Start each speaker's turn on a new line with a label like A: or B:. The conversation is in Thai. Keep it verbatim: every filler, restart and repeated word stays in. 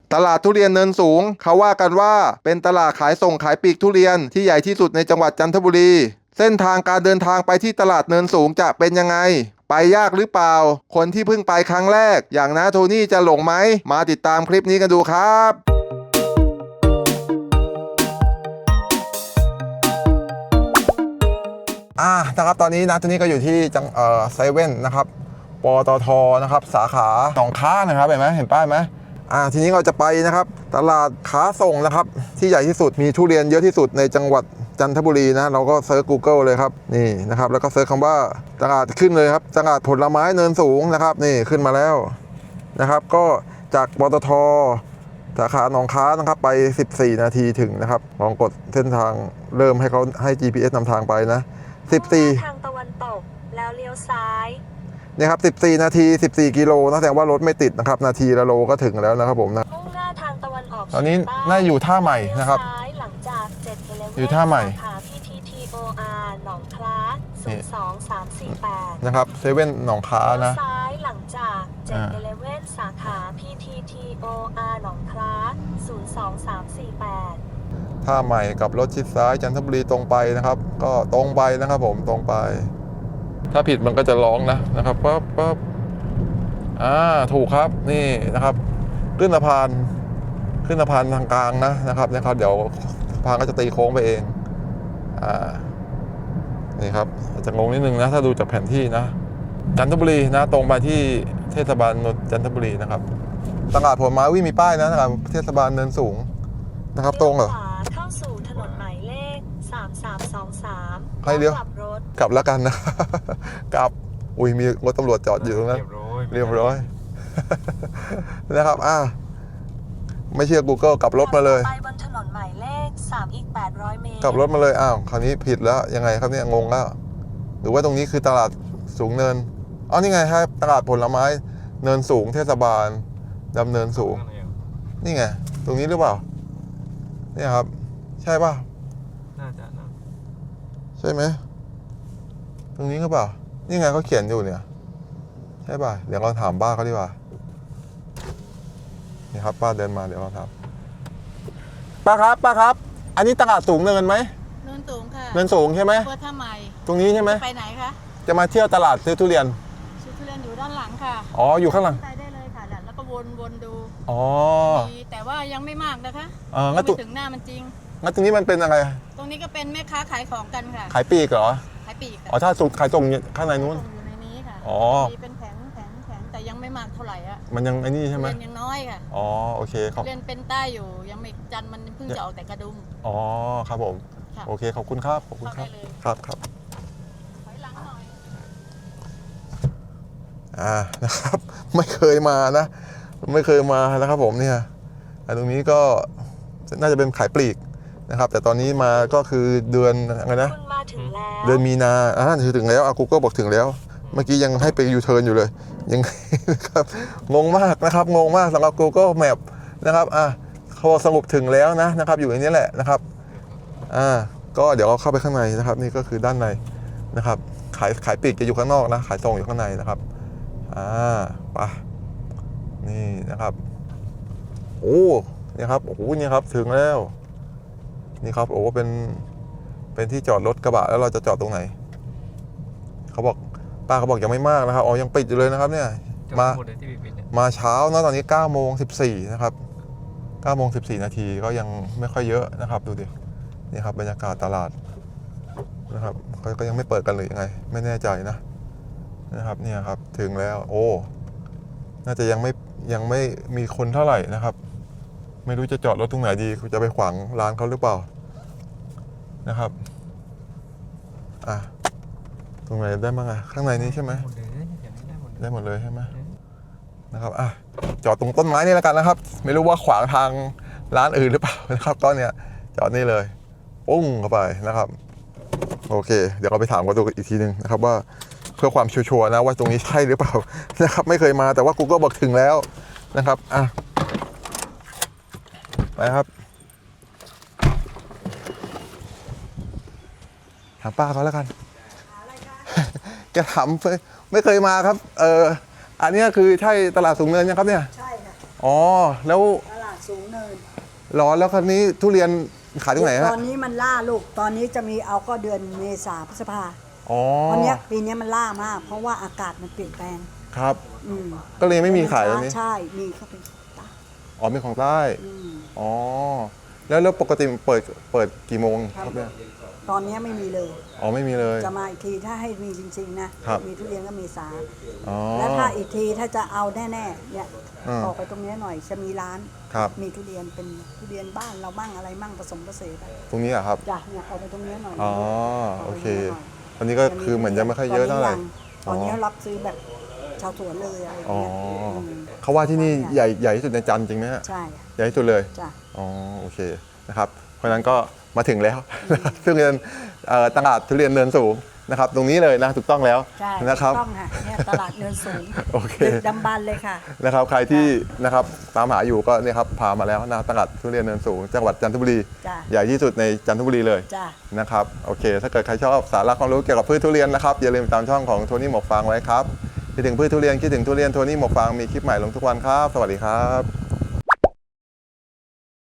A: ตลาดทุเรียนเนินสูงเขาว่ากันว่าเป็นตลาดขายส่งขายปลีกทุเรียนที่ใหญ่ที่สุดในจังหวัดจันทบุรีเส้นทางการเดินทางไปที่ตลาดเนินสูงจะเป็นยังไงไปยากหรือเปล่าคนที่เพิ่งไปครั้งแรกอย่างน้าโทนี่จะหลงไหมมาติดตามคลิปนี้กันดูครับอ่านะครับตอนนี้นะโทนี่ก็อยู่ที่จังเอ่อเซเว่นนะครับปตทนะครับสาขาหนองค้านะครับเห็นไหมเห็นป้ายไหมอ่าทีนี้เราจะไปนะครับตลาดค้าส่งนะครับที่ใหญ่ที่สุดมีทุเรียนเยอะที่สุดในจังหวัดจันทบุรีนะเราก็เซิร์ช Google เลยครับนี่นะครับแล้วก็เซิร์ชคำว่าตลาดขึ้นเลยครับตลาดผลไม้เนินสูงนะครับนี่ขึ้นมาแล้วนะครับก็จากปตทสาขาหนองค้านะครับไปสิบสี่นาทีถึงนะครับลองกดเส้นทางเริ่มให้เขาให้ จี พี เอส นำทางไปนะสิบสี่
B: ทางตะวันตกแล้วเลี้ยวซ้าย
A: นี่ครับสิบสี่นาทีสิบสี่กิโลนะแสดงว่ารถไม่ติดนะครับนาทีละโลก็ถึงแล้วนะครับผมนะ
B: มุ่งหน้าทางตะวันออก
A: ตอนนี้น่าอยู่ท่าใหม่นะครับ
B: หลังจากเจ็ดกิโลเมตร
A: อยู่ท่าใหม่
B: สาขา พี ที ที โอ อาร์ หนองคล้าศูนย์ สอง สาม สี่ แปด
A: นะครับเซเว่นหนองค้านะ
B: ซ้ายหลังจากเจ็ดกิโลเมตรสาขา พี ที ที โอ อาร์ หนองคล้าศูนย์ สอง สาม สี่ แปด
A: ท่าใหม่กับรถชิดซ้ายจันทบุรีตรงไปนะครับก็ตรงไปนะครับผมตรงไปถ้าผิดมันก็จะร้องนะนะครับปั๊บปั๊บอ่าถูกครับนี่นะครับขึ้นสะพานขึ้นสะพานทางกลางนะนะครับนะครับเดี๋ยวสะพานก็จะตีโค้งไปเองอ่านี่ครับอาจจะงงนิดนึงนะถ้าดูจากแผนที่นะจันทบุรีนะตรงไปที่เทศบาลจันทบุรีนะครับตลาดผลไม้วิ่งมีป้ายนะนะครับเทศบาลเนินสูงนะครับตรงเหรอ
B: เข้าสู่ถนนหมายเลขสาม สาม สอง สาม
A: ให้เลี้ยว
B: กลับรถ
A: กลับแล้วกันนะ กลับอุ้ยมีรถตำรวจจอดอยู่ตรงนั้นเรียบร้อยนะครับอ่าไม่เชื่อ Google กลับรถมาเลย
B: ไปบนถนนหมายเลขสามอีกแปดร้อยเมตร
A: กลับรถมาเลยอ้าวคราวนี้ผิดแล้วยังไงครับเนี่ยงงแล้วหรือว่าตรงนี้คือตลาดสูงเนินอ๋อนี่ไงครับตลาดผลไม้เนินสูงเทศบาลดำเนินสูงนี่ไงตรงนี้หรือเปล่าเนี่ยครับใช่ป่ะ
C: น่าจะนะ
A: ใช่ไหมตรงนี้หรือเปล่านี่ไงเขาเขียนอยู่เนี่ยใช่ป่ะเดี๋ยวเราถามป้าเขาดีกว่านี่ครับป้าเดินมาเดี๋ยวเราถามป้าครับป้าครับอันนี้ตลาดสูงเนินไหม
D: เนินสูงค่ะ
A: เนินสูงใช่ไหม
D: เพื่อท่าใหม่
A: ตรงนี้ใช่ไหม
D: ไปไหนคะ
A: จะมาเที่ยวตลาดซื้อทุเรียน
D: ซื้อทุเรียนอยู่ด้านหลังค่ะ
A: อ๋ออยู่ข้างหลัง
D: ไปได้เลยค่ะแล้วก็วนวนดู
A: อ๋อ
D: แต่ว่ายังไม่มากนะคะ
A: เอองั้น
D: ถึงหน้ามันจริง
A: งั้นตรงนี้มันเป็นอะไร
D: ตรงนี้ก็เป็นแม่ค้าขายของกันค่ะ
A: ขายปีกเหรอ
D: ขายปีก
A: อ๋อถ้าส่งขายส่งข้างในนู้น
D: อยู่ในนี้ค่ะ
A: อ๋อ
D: เป็นแผงแผงแผงแต่ยังไม่มากเท่าไหร่อ่ะ
A: มันยังไอ้นี่ใช่ไหม
D: เรียนยังน้อยค่ะ
A: อ๋อโอเคครับ
D: เรียนเป็นใต้อยู่ยังไม่จันมันเพิ่งจะออกแต่กระดุม
A: อ๋อครับผมโอเคขอบคุณครับขอบคุณครับครับครับ
D: ถอยหลังหน่อย
A: อ่านะครับไม่เคยมานะไม่เคยมานะครับผมเนี่ยตรงนี้ก็น่าจะเป็นขายปลีกนะครับแต่ตอนนี้มาก็คือเดือนอะไรนะเดือนมีนาอ่าถึงแล้วอากูก็บอกถึงแล้วเมื่อกี้ยังให้ไปยูเทิร์นอยู่เลยยังครับงงมากนะครับงงมากสำหรับ Google Map นะครับอ่ะเขาสรุปถึงแล้วนะนะครับอยู่ในนี้แหละนะครับอ่าก็เดี๋ยวเข้าไปข้างในนะครับนี่ก็คือด้านในนะครับขายขายปลีกจะอยู่ข้างนอกนะขายส่งอยู่ข้างในนะครับอ่าไปนี่นะครับโอ้นี่ครับโอ้โหนี่ครับถึงแล้วนี่ครับโอ้เป็นเป็นที่จอดรถกระบะแล้วเราจะจอดตรงไหนเขาบอกป้าเขาบอกยังไม่มากนะครับอ๋อยังปิดอยู่เลยนะครับเนี่ยมามาเช้านะตอนนี้เก้าโมงสิบสี่นะครับเก้าโมงสิบสี่นาทีก็ยังไม่ค่อยเยอะนะครับดูดินี่ครับบรรยากาศตลาดนะครับก็ยังไม่เปิดกันเลยยังไงไม่แน่ใจนะนะครับเนี่ยครับถึงแล้วโอ้น่าจะยังไม่ยังไม่มีคนเท่าไหร่นะครับไม่รู้จะจอดรถตรงไหนดีจะไปขวางร้านเขาหรือเปล่านะครับอ่ะตรงไหนได้บ้างอะข้างในนี้ใช่ไหมได้หมดเลยใช่ไหมนะครับอ่ะจอดตรงต้นไม้นี่แล้วกันนะครับไม่รู้ว่าขวางทางร้านอื่นหรือเปล่านะครับก็เนี่ยจอดนี่เลยปุ้งเข้าไปนะครับโอเคเดี๋ยวเราไปถามกันดูอีกทีนึงนะครับว่าเพื่อความชัวร์ๆนะว่าตรงนี้ใช่หรือเปล่านะครับไม่เคยมาแต่ว่า Google บอกถึงแล้วนะครับอ่ะไปครับถามป้าเขาแล้วกันแกถามไม่เคยมาครับเอออันนี้คือใช่ตลาดสูงเนินยังครับเนี่ย
E: ใช่ค่ะ
A: อ๋อแล้ว
E: ตลาด
C: สูงเนิน
A: ร้อนแล้วคราวนี้ทุเรียนขายตรงไหนฮะ
C: ตอนนี้มันล่าลูกตอนนี้จะมีเอาก็เดือนเมษาพฤษภา
A: อ๋อ
C: ตอนเนี้ยปีเนี้ยมันล่ามาก เพราะว่าอากาศมันเปลี่ยนแปลง
A: ครับ
C: อืม
A: ก็เลยไม่มีขายตรงนี้
C: ใช่มีเขาเป็นตา
A: อ๋อเป็นของใต้
C: อืม
A: อ๋อแล้วแล้วปกติเปิดเปิดกี่โมงครับเนี่ย
C: ตอนเนี้ยไม่มีเลย
A: อ๋อไม่มีเลย
C: จะมาอีกทีถ้าให้มีจริงๆนะครับ มีทุเรียนก็เมษา
A: อ๋อ
C: แล้วถ้าอีกทีถ้าจะเอาแน่ๆเนี่ย
A: อืม
C: ออกไปตรงเนี้ยหน่อยจะมีร้าน
A: ครับ
C: มีทุเรียนเป็นทุเรียนบ้านเราบ้างอะไรมั่งผสมผสานไป
A: ตรงนี้อะครับ
C: จ้ะเนี่ยเอาไปตรงเนี้ยหน่อย
A: อ๋อ
C: า
A: โอ
C: ไป
A: เค
C: ตรงนี้หน่อย
A: อันนี้ก็คือเหมือนยังไม่ค่อยเยอะเท่าไหร่
C: ตอนนี้รับซื้อแบบชาวสวนเลยอะไรอย่าง
A: อ๋อ
C: เงี้ยม
A: เขาว่าที่นี่ใหญ่ใหญ่ที่สุดในจันทร์จริงไหมฮะ
C: ใช่
A: ใหญ่ที่สุดเลย
C: จ้ะ
A: อ๋อโอเคนะครับเพราะฉะนั้นก็มาถึงแล้ว ซึ่งเป็นเอ่อตลาดทุเรียนเนินสูงนะครับ ตรงนี้เลยนะถูกต้องแล้ว
C: ใช่
A: นะครับ
C: ถูกต้องค่ะเนี่ยตลาดเนินสูง
A: โอเค
C: ดึกดำบรรพ์เลยค่ะ
A: นะครับใครที่นะครับตามหาอยู่ก็เนี่ยครับพามาแล้วนะตลาดทุเรียนเนินสูง จังหวัดจันทบุรี
C: จ้ะ
A: ใหญ่ที่สุดในจันทบุรีเลย
C: จ้ะ
A: นะครับโอเค ถ้าเกิดใครชอบสาระความรู้เกี่ยวกับพืชทุเรียนนะครับอย่าลืมตามช่องของโทนี่หมกฟางไว้ครับคิดถึงพืชทุเรียนคิดถึงทุเรียนโทนี่หมกฟางมีคลิปใหม่ลงทุกวันครับ สวัสดีครับ